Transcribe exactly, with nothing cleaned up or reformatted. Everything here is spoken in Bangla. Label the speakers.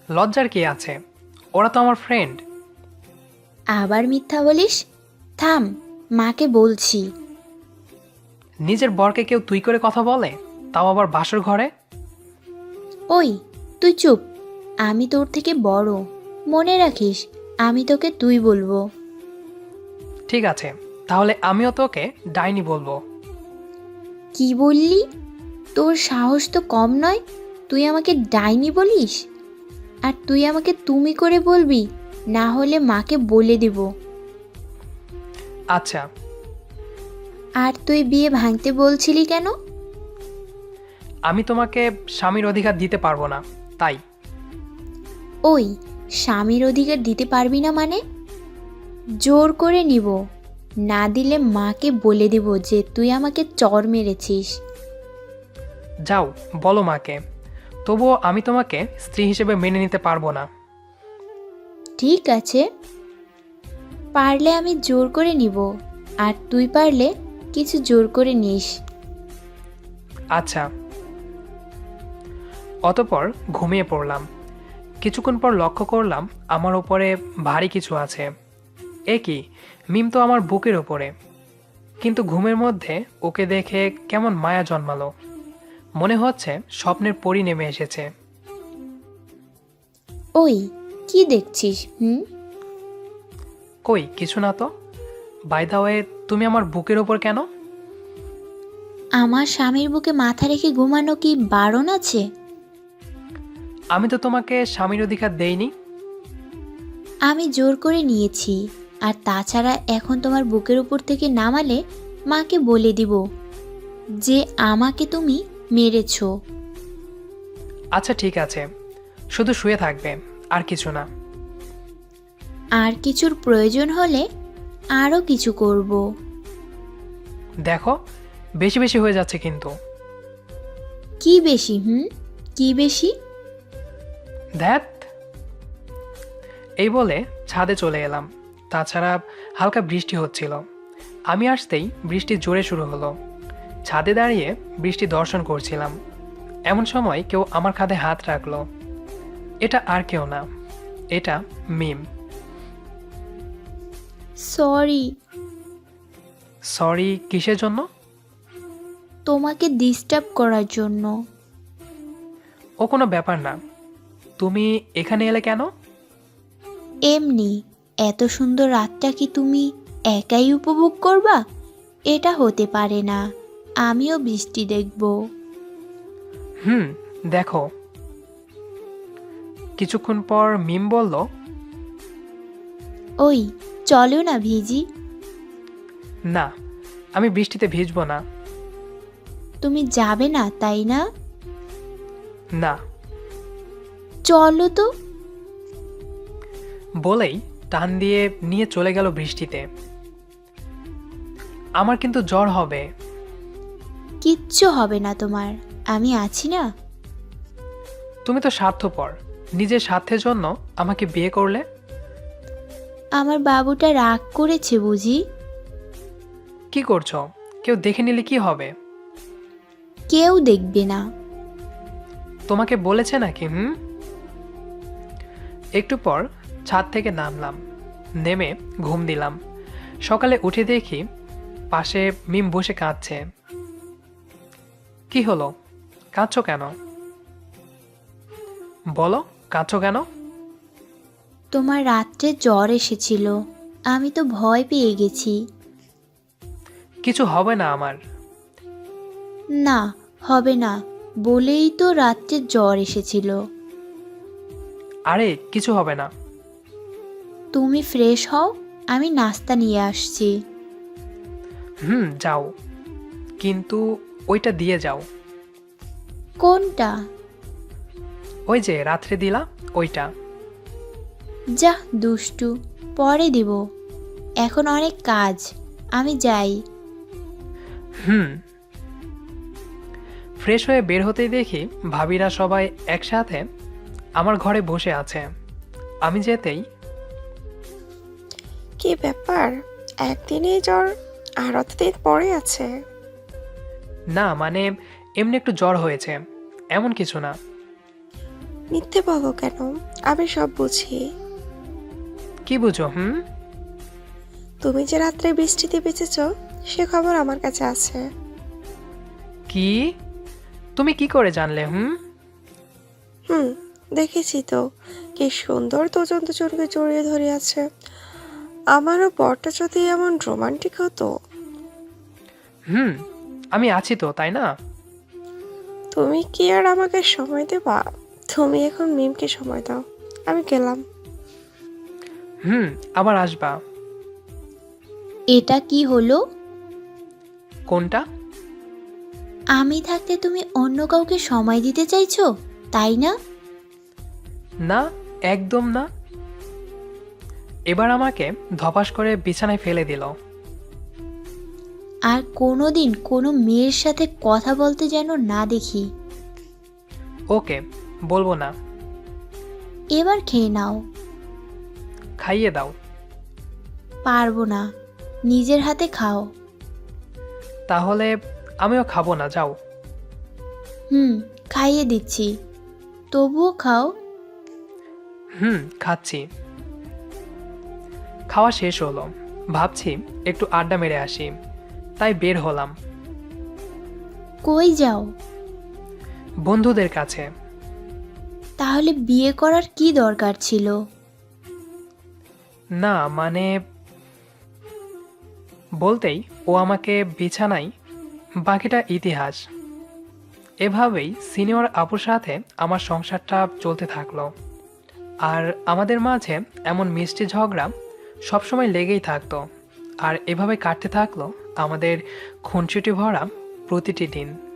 Speaker 1: লজ্জার কি আছে? ওরা তো আমার ফ্রেন্ড।
Speaker 2: আবার মিথ্যা বলিস? থাম, মাকে বলছি।
Speaker 1: নিজের বরকে কেউ তুই করে কথা বলে, তাও আবার বাসর ঘরে?
Speaker 2: ওই, তুই চুপ। আমি তোর থেকে বড়, মনে রাখিস। আমি তোকে তুই বলবো।
Speaker 1: ঠিক আছে, তাহলে আমিও তোকে ডাইনি বলবো।
Speaker 2: কি বললি? তোর সাহস তো কম নয়, তুই আমাকে ডাইনি বলিস? আর তুই আমাকে তুমি করে বলবি, না হলে মাকে বলে দিব।
Speaker 1: আচ্ছা।
Speaker 2: আর তুই বিয়ে ভাঙতে বলছিলি কেন?
Speaker 1: আমি তোমাকে স্বামীর অধিকার দিতে পারবো না, তাই।
Speaker 2: ওই, স্বামীর অধিকার দিতে পারবি না মানে? জোর করে নিব, না দিলে মাকে বলে দিব যে তুই আমাকে চর মেরেছিস।
Speaker 1: যাও, বলো মাকে। তবুও আমি তোমাকে স্ত্রী হিসেবে মেনে নিতে পারবো না।
Speaker 2: ঠিক আছে, পারলে আমি জোর করে নিব, আর তুই পারলে কিছু জোর করে নিস।
Speaker 1: আচ্ছা। অতপর ঘুমিয়ে পড়লাম। কিছুক্ষণ পর লক্ষ্য করলাম আমার ওপরে ভারী কিছু আছে। এ কি, মিম তো আমার বুকের ওপরে। কিন্তু ঘুমের মধ্যে ওকে দেখে কেমন মায়া জন্মালো। মনে হচ্ছে স্বপ্নের পরি নেমে এসেছে।
Speaker 2: ওই, কি দেখছিস? হুম?
Speaker 1: কই কিছু না তো। বাই দা ওয়ে, তুমি আমার বুকের ওপর কেন?
Speaker 2: আমার স্বামীর বুকে মাথা রেখে ঘুমানো কি বারণ আছে?
Speaker 1: আমি তো তোমাকে স্বামীর অধিকার দেইনি।
Speaker 2: আমি জোর করে নিয়েছি। আর তাছাড়া এখন তোমার বুকের উপর থেকে নামালে মাকে বলে দিব যে আমাকে তুমি মেরেছো।
Speaker 1: আচ্ছা ঠিক আছে, শুধু শুয়ে থাকবে, আর কিছু না।
Speaker 2: আর কিছুর প্রয়োজন হলে আরও কিছু করব।
Speaker 1: দেখো, বেশি বেশি হয়ে যাচ্ছে কিন্তু।
Speaker 2: কি বেশি? হুম, কি বেশি?
Speaker 1: ধ্যাত। এই বলে ছাদে চলে এলাম। তাছাড়া হালকা বৃষ্টি হচ্ছিল। আমি আসতেই বৃষ্টি জোরে শুরু হলো। ছাদে দাঁড়িয়ে বৃষ্টি দর্শন করছিলাম। এমন সময় কেউ আমার কাঁধে হাত রাখলো। এটা আর কেউ না, এটা মিম।
Speaker 2: সরি।
Speaker 1: সরি কিসের জন্য?
Speaker 2: তোমাকে ডিস্টার্ব করার জন্য।
Speaker 1: ও কোনো ব্যাপার না। তুমি এখানে এলে কেন?
Speaker 2: এমনি। এত সুন্দর রাতটা কি তুমি একাই উপভোগ করবা? এটা হতে পারে না, আমিও বৃষ্টি দেখব।
Speaker 1: হুম, দেখো। কিছুক্ষণ পর মিম বলল,
Speaker 2: ওই, চলো না ভিজি।
Speaker 1: না, আমি বৃষ্টিতে ভিজবো না।
Speaker 2: তুমি যাবে না তাই না?
Speaker 1: না।
Speaker 2: চলো তো।
Speaker 1: বলেই টান দিয়ে নিয়ে চলে গেল বৃষ্টিতে। আমার কিন্তু জ্বর হবে।
Speaker 2: কিচ্ছু হবে না তোমার, আমি আছি না।
Speaker 1: তুমি তো স্বার্থপর, নিজের স্বার্থের জন্য আমাকে বিয়ে করলে।
Speaker 2: আমার বাবুটা রাগ করেছে বুঝি?
Speaker 1: কি করছো? কেউ দেখে নিলে কি হবে?
Speaker 2: কেউ দেখবে না।
Speaker 1: তোমাকে বলেছে নাকি? হুম। একটু পর ছাদ থেকে নামলাম, নেমে ঘুম দিলাম। সকালে উঠে দেখি পাশে মিম বসে কাঁদছে। কি হলো, কাঁদছো কেন? বলো, কাঁদছো কেন?
Speaker 2: তোমার রাত্রে জ্বর এসেছিল, আমি তো ভয় পেয়ে গেছি।
Speaker 1: কিছু হবে না আমার।
Speaker 2: না, হবে না বলেই তো রাত্রে জ্বর এসেছিল।
Speaker 1: আরে কিছু হবে না।
Speaker 2: তুমি ফ্রেশ হও, আমি নাস্তা নিয়ে আসছি।
Speaker 1: হুম, যাও, কিন্তু ওইটা দিয়ে যাও।
Speaker 2: কোনটা?
Speaker 1: ওই যে রাত্রে দিলা, ওইটা।
Speaker 2: যা দুষ্টু, পরে দিব। এখন অনেক কাজ, আমি যাই।
Speaker 1: হুম। ফ্রেশ হয়ে বের হতেই দেখি ভাবিরা সবাই একসাথে আমার ঘরে বসে আছে। আমি যেতেই,
Speaker 3: কি ব্যাপার, একদিনেই জ্বর আর অতদিন পরে আছে?
Speaker 1: না মানে এমনি একটু জ্বর হয়েছে, এমন কিছু না।
Speaker 3: মিথ্যে বলো কেন? আমি সব বুঝি।
Speaker 1: কি বুঝো? হুম।
Speaker 3: তুমি যে রাত্রে বৃষ্টিতে বেঁচেছ সে খবর আমার কাছে আছে।
Speaker 1: কি? তুমি কি করে জানলে? হুম।
Speaker 3: হুম, দেখেছি তো কি সুন্দর দুজন দুজনকে জড়িয়ে ধরে আছে। আমারও বরটা যদি এমন রোমান্টিক হতো।
Speaker 1: হুম, আমি আছি তো, তাই না?
Speaker 3: তুমি কি আর আমাকে সময় দেবা? তুমি এখন মিমকে সময় দাও। আমি গেলাম।
Speaker 1: হুম, আবার আসবা।
Speaker 2: এটা কি হলো?
Speaker 1: কোনটা?
Speaker 2: আমি থাকতে তুমি অন্য কাউকে সময় দিতে চাইছো, তাই না?
Speaker 1: না, একদম না। এবার আমাকে ধপাস করে বিছানায় ফেলে দিল।
Speaker 2: আর কোনো দিন কোনো মেয়ের সাথে কথা বলতে যেন না দেখি।
Speaker 1: ওকে, বলবো না।
Speaker 2: এবার খেয়ে নাও।
Speaker 1: খাইয়ে দাও।
Speaker 2: পারবো না, নিজের হাতে খাও।
Speaker 1: তাহলে আমিও খাবো না, যাও।
Speaker 2: হুম, খাইয়ে দিচ্ছি, তবুও খাও।
Speaker 1: হুম, খাচ্ছি। খাওয়া শেষ হলো, ভাবছি একটু আড্ডা মেরে আসি, তাই বের হলাম
Speaker 2: কই যাও?
Speaker 1: বন্ধুদের কাছে।
Speaker 2: তাহলে বিয়ে করার কি দরকার ছিল?
Speaker 1: না মানে, বলতেই ও আমাকে বিছানায়, বাকিটা ইতিহাস। এভাবেই সিনিয়র আপুর সাথে আমার সংসারটা চলতে থাকলো। আর আমাদের মাঝে এমন মিষ্টি ঝগড়া সবসময় লেগেই থাকতো। আর এভাবে কাটতে থাকলো আমাদের খুনসুটি ভরা প্রতিটি দিন।